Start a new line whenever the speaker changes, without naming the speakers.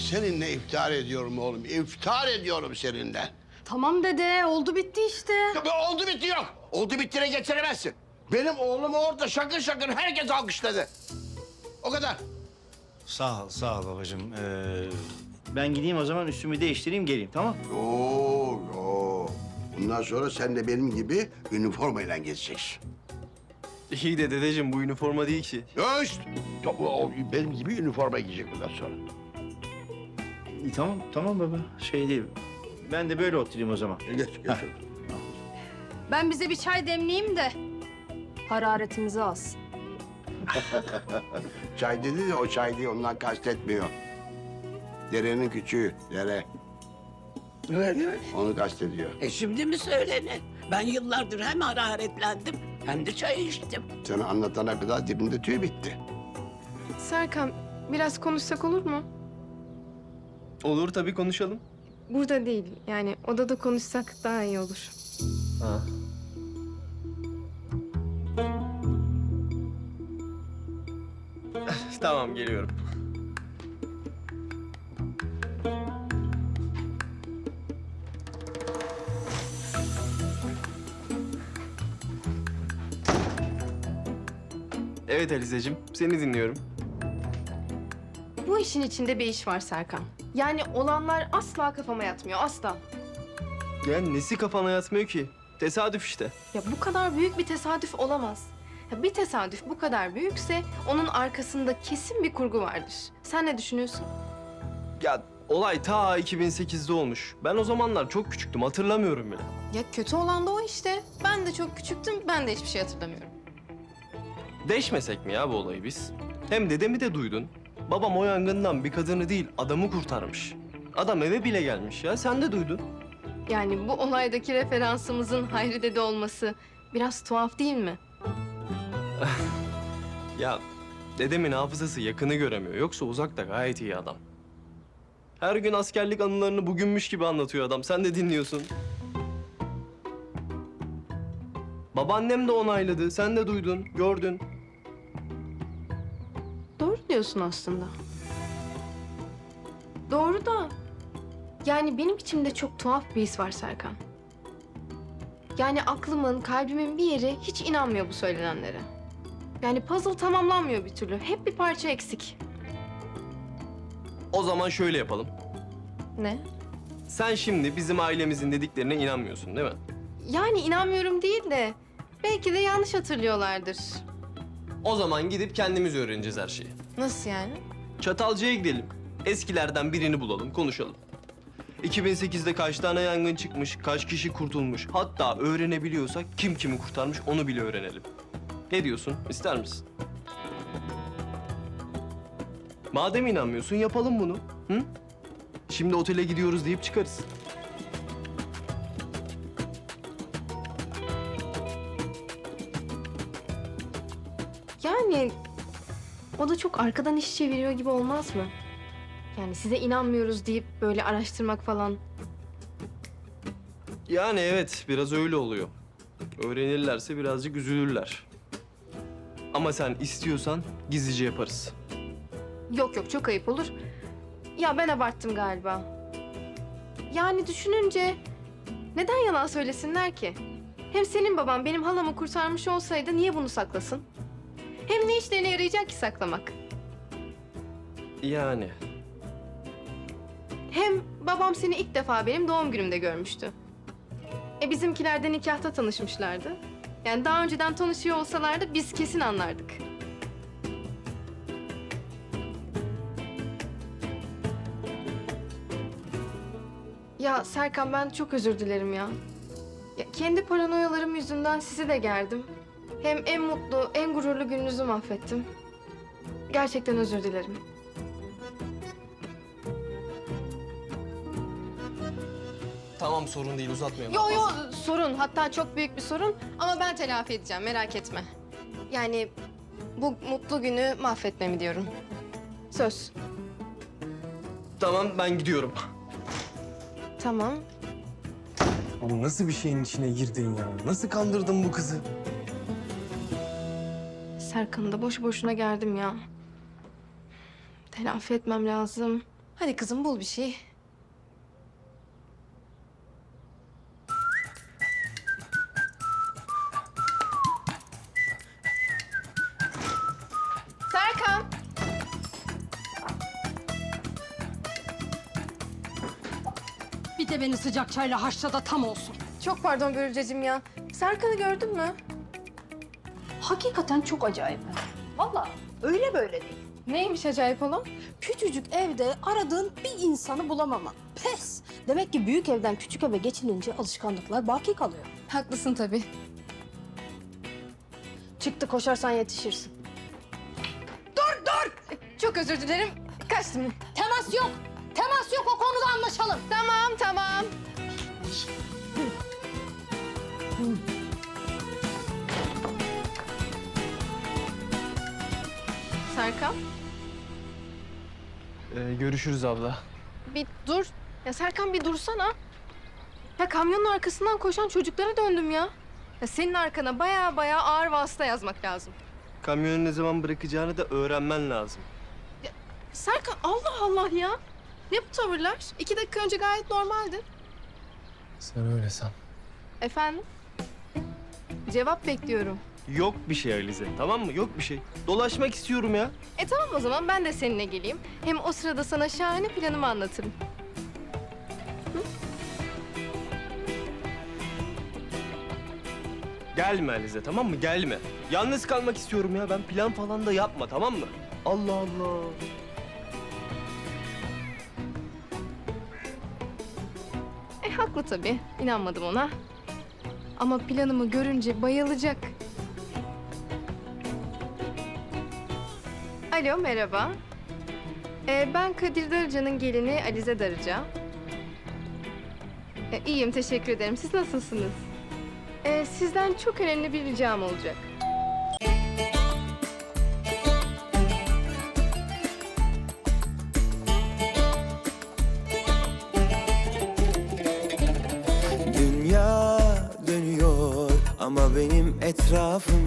seninle iftihar ediyorum oğlum. İftihar ediyorum seninle.
Tamam dede, oldu bitti işte.
Ya oldu bitti yok. Oldu bittiğine getiremezsin. Benim oğlumu orada şakır şakır herkes alkışladı. O kadar.
Sağ ol babacığım. Ben gideyim o zaman üstümü değiştireyim geleyim tamam?
Yo. Bundan sonra sen de benim gibi üniformayla gezeceksin.
İyi de dedeciğim bu üniforma değil ki.
Ya işte. Benim gibi üniforma giyecek bundan sonra.
İyi, tamam baba. Şey değil. Ben de böyle oturayım o zaman.
Geç.
Ben bize bir çay demleyeyim de hararetimizi alsın.
Çay dedi de o çay değil, ondan kastetmiyor. Derenin küçüğü, dere.
Öyle.
Onu kastediyor.
Şimdi mi söylene? Ben yıllardır hem hararetlendim hem de çay içtim.
Sana anlatana kadar dibinde tüy bitti.
Serkan, biraz konuşsak olur mu?
Olur tabii konuşalım.
Burada değil, yani odada konuşsak daha iyi olur.
Ha. Tamam geliyorum. Evet Alizeciğim, seni dinliyorum.
Bu işin içinde bir iş var Serkan. Yani olanlar asla kafama yatmıyor, asla.
Ya nesi kafana yatmıyor ki? Tesadüf işte.
Ya bu kadar büyük bir tesadüf olamaz. Ya bir tesadüf bu kadar büyükse onun arkasında kesin bir kurgu vardır. Sen ne düşünüyorsun?
Ya olay ta 2008'de olmuş. Ben o zamanlar çok küçüktüm, hatırlamıyorum bile.
Ya kötü olan da o işte. Ben de çok küçüktüm, ben de hiçbir şey hatırlamıyorum.
Deşmesek mi ya bu olayı biz? Hem dedemi de duydun. Babam o yangından bir kadını değil, adamı kurtarmış. Adam eve bile gelmiş ya, sen de duydun.
Yani bu olaydaki referansımızın Hayri dede olması biraz tuhaf değil mi?
Ya dedemin hafızası yakını göremiyor. Yoksa uzakta gayet iyi adam. Her gün askerlik anılarını bugünmüş gibi anlatıyor adam. Sen de dinliyorsun. Babaannem de onayladı. Sen de duydun, gördün.
Doğru diyorsun aslında. Doğru da... Yani benim içimde çok tuhaf bir his var Serkan. Yani aklımın, kalbimin bir yeri hiç inanmıyor bu söylenenlere. Yani puzzle tamamlanmıyor bir türlü. Hep bir parça eksik.
O zaman şöyle yapalım.
Ne?
Sen şimdi bizim ailemizin dediklerine inanmıyorsun değil mi?
Yani inanmıyorum değil de... Belki de yanlış hatırlıyorlardır.
O zaman gidip kendimiz öğreneceğiz her şeyi.
Nasıl yani?
Çatalca'ya gidelim. Eskilerden birini bulalım, konuşalım. 2008'de kaç tane yangın çıkmış, kaç kişi kurtulmuş. Hatta öğrenebiliyorsak kim kimi kurtarmış onu bile öğrenelim. Ne diyorsun? İster misin? Madem inanmıyorsun yapalım bunu. Hı? Şimdi otele gidiyoruz deyip çıkarız.
Yani o da çok arkadan iş çeviriyor gibi olmaz mı? Yani size inanmıyoruz deyip böyle araştırmak falan.
Yani evet, biraz öyle oluyor. Öğrenirlerse birazcık üzülürler. Ama sen istiyorsan gizlice yaparız.
Yok çok ayıp olur. Ya ben abarttım galiba. Yani düşününce neden yalan söylesinler ki? Hem senin baban benim halamı kurtarmış olsaydı niye bunu saklasın? Hem ne işlerine yarayacak ki saklamak?
Yani.
Hem babam seni ilk defa benim doğum günümde görmüştü. Bizimkiler de nikahta tanışmışlardı. Yani daha önceden tanışıyor olsalardı biz kesin anlardık. Ya Serkan ben çok özür dilerim ya. Ya kendi paranoyalarım yüzünden sizi de gerdim. Hem en mutlu, en gururlu gününüzü mahvettim. Gerçekten özür dilerim.
Tamam sorun değil uzatmayalım.
Yo sorun, hatta çok büyük bir sorun ama ben telafi edeceğim, merak etme. Yani bu mutlu günü mahvetmemi diyorum. Söz.
Tamam ben gidiyorum.
Tamam.
Oğlum nasıl bir şeyin içine girdin ya? Nasıl kandırdın bu kızı?
Serkan'ı da boşu boşuna gerdim ya. Telafi etmem lazım. Hadi kızım bul bir şey. Serkan.
Bir de beni sıcak çayla haşla da tam olsun.
Çok pardon Börülceciğim ya. Serkan'ı gördün mü?
Hakikaten çok acayip. Vallahi öyle böyle değil.
Neymiş acayip olan?
Küçücük evde aradığın bir insanı bulamaman. Pes. Demek ki büyük evden küçük eve geçilince alışkanlıklar baki kalıyor.
Haklısın tabii.
Çıktı koşarsan yetişirsin.
Çok özür dilerim. Kaçtım.
Temas yok. Temas yok, o konuda anlaşalım.
Tamam. Serkan,
Görüşürüz abla.
bir dur. Ya Serkan bir dursana. Ya kamyonun arkasından koşan çocuklara döndüm ya. Ya senin arkana baya ağır vasıta yazmak lazım.
Kamyonu ne zaman bırakacağını da öğrenmen lazım.
Serkan Allah Allah ya. Ne bu tavırlar? 2 dakika önce gayet normaldi.
Sen öyle san.
Efendim? Cevap bekliyorum.
Yok bir şey Alize, tamam mı? Yok bir şey. Dolaşmak istiyorum ya.
Tamam o zaman ben de seninle geleyim. Hem o sırada sana şahane planımı anlatırım.
Gelme Alize, tamam mı? Gelme. Yalnız kalmak istiyorum ya. Ben plan falan da yapma, tamam mı? Allah Allah.
Haklı tabii. İnanmadım ona. Ama planımı görünce bayılacak. Alo, merhaba. Ben Kadir Darıca'nın gelini Alize Darıca. İyiyim, teşekkür ederim. Siz nasılsınız? Sizden çok önemli bir ricam olacak.
Dünya dönüyor ama benim etrafım